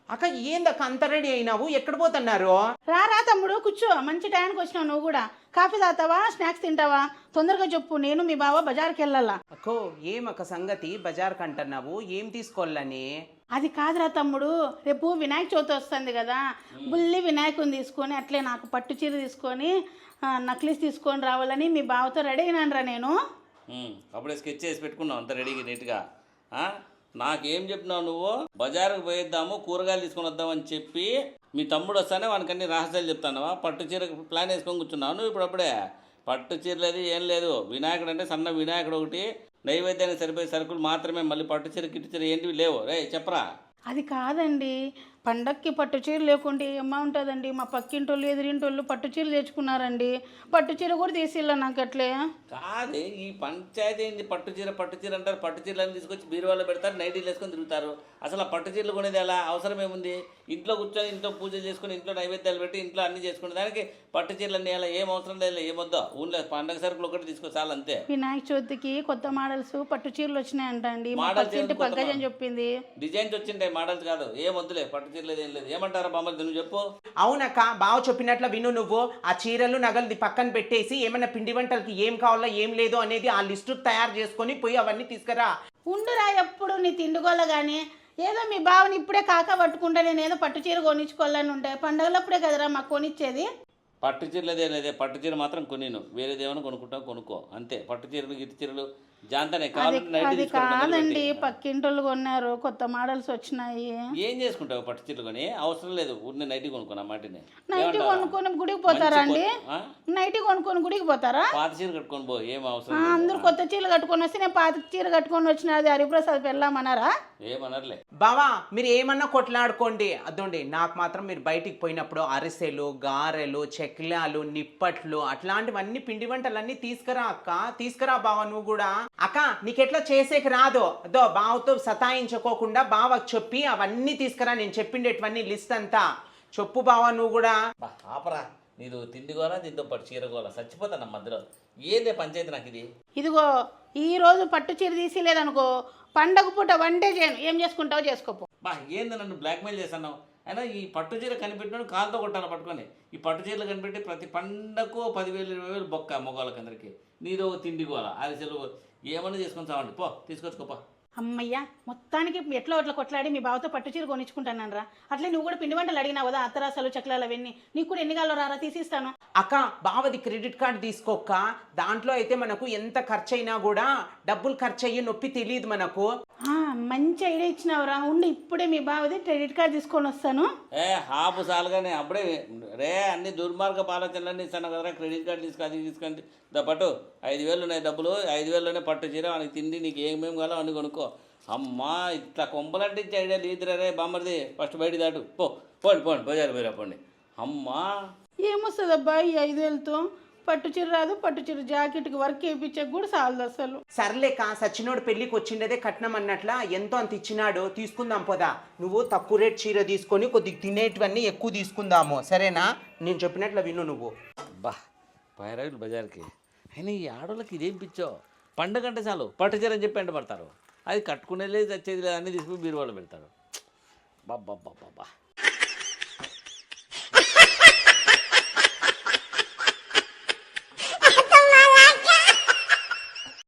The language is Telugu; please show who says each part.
Speaker 1: అక్క ఏందక్క అంత రెడీ అయినావు? ఎక్కడ పోతున్నారు?
Speaker 2: రా తమ్ముడు కూర్చో, మంచి టైంకి వచ్చినావు. నువ్వు కూడా కాఫీ తాగుతావా, స్నాక్స్ తింటావా? తొందరగా చెప్పు, నేను మీ బావ బజార్కి వెళ్ళాలా.
Speaker 1: అక్కో ఏమక్క సంగతి? బజార్ కంటున్నావు, ఏం తీసుకోవాలని?
Speaker 2: అది కాదురా తమ్ముడు, రేపు వినాయక చవితి వస్తుంది కదా, బుల్లి వినాయకుని తీసుకొని అట్లే నాకు పట్టు చీర తీసుకొని నక్లీస్ తీసుకొని రావాలని మీ బావతో రెడీ అయినాను రా నేను.
Speaker 3: అప్పుడే స్కెచ్ చేసి పెట్టుకున్నావు అంత రెడీగా నీట్గా. నాకేం చెప్పినావు నువ్వు? బజారుకు పోయిద్దాము, కూరగాయలు తీసుకొని వద్దామని చెప్పి మీ తమ్ముడు వస్తానే వానికి అన్ని రహస్యాలు చెప్తానవా? పట్టు చీర ప్లాన్ వేసుకొని కూర్చున్నావు నువ్వు. ఇప్పుడు అప్పుడే పట్టు చీర లేదు, ఏం లేదు. వినాయకుడు అంటే సన్న వినాయకుడు ఒకటి, నైవేద్యానికి సరిపోయే సరుకులు మాత్రమే. మళ్ళీ పట్టు చీర గిట్టు చీర ఏంటివి లేవు. రే చెప్పరా.
Speaker 2: అది కాదండి, పండక్కి పట్టు చీర లేకుంటే ఏమా ఉంటుందండి. మా పక్కింటోళ్ళు ఎదురింటోళ్ళు పట్టు చీర తెచ్చుకున్నారండి. పట్టు చీర కూడా తీసిల్లా నాకు అట్లే.
Speaker 3: కాదే ఈ పంచాయతీ ఏంది? పట్టు చీర అంటారు. పట్టు చీరలను తీసుకొచ్చి బీరువాలో పెడతారు, నైటీలు వేసుకొని తిరుగుతారు. అసలు ఆ పట్టు చీరలు కొనేది ఎలా? అవసరం ఏముంది? ఇంట్లో కూర్చొని ఇంట్లో పూజలు చేసుకుని ఇంట్లో నైవేద్యాలు పెట్టి ఇంట్లో అన్ని చేసుకునే దానికి పట్టు చీరలు అన్నీ ఎలా? ఏం అవసరం లేదు, ఏమొద్దో. ఊళ్ళో పండగ సరుకులు ఒకటి తీసుకో చాలు అంతే.
Speaker 2: వినాయక చవితికి కొత్త మోడల్స్ పట్టు చీరలు వచ్చినాయంట అండి. పక్కజని చెప్పింది.
Speaker 3: డిజైన్స్ వచ్చింటాయి, మోడల్స్ కాదు. ఏం వద్దులే, పట్టు చీరలేదు ఏం లేదు. ఏమంటారా బామ్మది నువ్వు చెప్పు.
Speaker 1: అవునక్క, బావ చెప్పినట్లు విను నువ్వు. ఆ చీరలు నగలు పక్కన పెట్టేసి ఏమైనా పిండి వంటలకి ఏం కావాలో ఏం లేదు అనేది ఆ లిస్టు తయారు చేసుకొని పోయి అవన్నీ తీసుకురా.
Speaker 2: ఉండురా, ఎప్పుడు నీ తిండుగోల కానీ ఏదో మీ బావని ఇప్పుడే కాక పట్టుకుంటా నేనేదో పట్టు చీర కొనిచ్చుకోవాలని ఉంటే పండగలప్పుడే కదరా మాకు కొనిచ్చేది.
Speaker 3: పట్టు చీరలేదే లేదే, పట్టు చీర మాత్రం కొనిను. వేరేదేమైనా కొనుక్కుంటావు కొనుక్కో అంతే. పట్టు చీరలు గిట్టు చీరలు జాంతనే
Speaker 2: అది కాదండి, పక్కింటోళ్ళు కొన్నారు, కొత్త మోడల్స్ వచ్చినాయి.
Speaker 3: ఏం చేసుకుంటావు పట్టు చీరలు కొని? అవసరం లేదు, ఊరిని నైటీ కొనుక్కున్నా మాటిని.
Speaker 2: నైటీ కొనుక్కొని గుడికి పోతారా అండి? నైటీ కొనుక్కొని గుడికి పోతారా?
Speaker 3: పాత చీర కట్టుకొని పో, ఏం అవసరం.
Speaker 2: అందరూ కొత్త చీరలు కట్టుకొని వస్తే నేను పాత చీర కట్టుకొని వచ్చిన అది హరిప్రసాద్ వెళ్ళామన్నారా?
Speaker 3: ఏమనర్లే
Speaker 1: బావా, మీరు ఏమన్నా కొట్లాడుకోండి. అదోండి నాకు మాత్రం మీరు బయటికి పోయినప్పుడు అరిసెలు, గారెలు, చెక్లాలు, నిప్పట్లు అట్లాంటివన్నీ పిండి వంటలన్నీ తీసుకురా అక్క. తీసుకురా బావా నువ్వు కూడా. అక్క నీకెట్లా చేసేకి రాదో అదో బావతో సతాయించుకోకుండా బావకు చెప్పి అవన్నీ తీసుకురా. నేను చెప్పిండేటివన్నీ లిస్ట్ అంతా చెప్పు బావా నువ్వు కూడా.
Speaker 3: ఆపరా, నీదు తిండిగోలా దీంతో పాటు చీరగోలా చచ్చిపోతాను మధ్యలో. ఏదే పంచాయతీ నాకు ఇది?
Speaker 2: ఇదిగో ఈ రోజు పట్టు చీర తీసిలేదనుకో, పండగ పూట వన్డే చేయను. ఏం చేసుకుంటావో చేసుకోపో.
Speaker 3: ఏంది నన్ను బ్లాక్మెయిల్ చేస్తున్నావు? అయినా ఈ పట్టు చీర కనిపెట్టినాడు కాలుతో కొట్టాలి పట్టుకొని. ఈ పట్టు చీరలు కనిపెట్టి ప్రతి పండగకు 10,000 20,000 బొక్క మొగోళ్ళకి అందరికి. నీదో తిండిగోలా అరిసెలు ఏమన్నా చేసుకొని చావండి పో, తీసుకొచ్చుకోపా.
Speaker 2: అమ్మయ్య, మొత్తానికి ఎట్లా అట్లా కొట్లాడి మీ బావతో పట్టు చీర కొనిచ్చుకుంటాను రా. అట్లే నువ్వు కూడా పిండి వంటలు అడిగినావు కదా, అత్తరాసాలు చక్రాలు అవన్నీ. నీకు కూడా ఎన్ని కాలో రారా, తీసిస్తాను.
Speaker 1: అక్క బావది క్రెడిట్ కార్డు తీసుకోక్క. దాంట్లో అయితే మనకు ఎంత ఖర్చు అయినా కూడా డబ్బులు ఖర్చు అయ్యే నొప్పి తెలియదు మనకు.
Speaker 2: మంచి ఐడియా ఇచ్చినావురా. ఉండి ఇప్పుడే మీ బావది క్రెడిట్ కార్డు తీసుకొని వస్తాను.
Speaker 3: హాపు సాలుగానే అప్పుడే రే అన్ని దుర్మార్గ ఆలోచనలన్నీ ఇస్తాను కదరా. క్రెడిట్ కార్డు తీసుకొని పట్టు 5,000 ఉన్నాయి డబ్బులు. 5,000లోనే పట్టు చీర వానికి తిండి, నీకు ఏమేమి కావాలో అన్ని కొనుక్కో. అమ్మా ఇట్లా కొంపలంటించే ఐడియా లేదురా రే బామ్మరిది. ఫస్ట్ బయట దాటు పోండి బజారు పోయిరా పోండి. అమ్మా
Speaker 2: ఏమొస్తుంది అబ్బా ఈ 5,000తో? పట్టు చీర రాదు, పట్టు చీర జాకెట్కి వర్క్ వేయించక కూడా చాలదు అసలు.
Speaker 1: సర్లేక సచ్చినోడు పెళ్ళికి వచ్చిండేదే కట్నం అన్నట్లా ఎంతో అంత ఇచ్చినాడు, తీసుకుందాం పోదా. నువ్వు తక్కువ రేట్ చీర తీసుకొని కొద్దిగా తినేటివన్నీ ఎక్కువ తీసుకుందాము, సరేనా? నేను చెప్పినట్లు విను నువ్వు.
Speaker 3: బా పైరాయిలు బజార్కి. అయినా ఈ ఆడోళ్ళకి ఇదేం పిచ్చో? పండగ అంటే చాలు పట్టు చీర అని చెప్పి ఎంట పడతారు. అది కట్టుకునేది చచ్చేది లేదు, అన్నీ తీసుకుని బీరువాలో పెడతారు. బాబా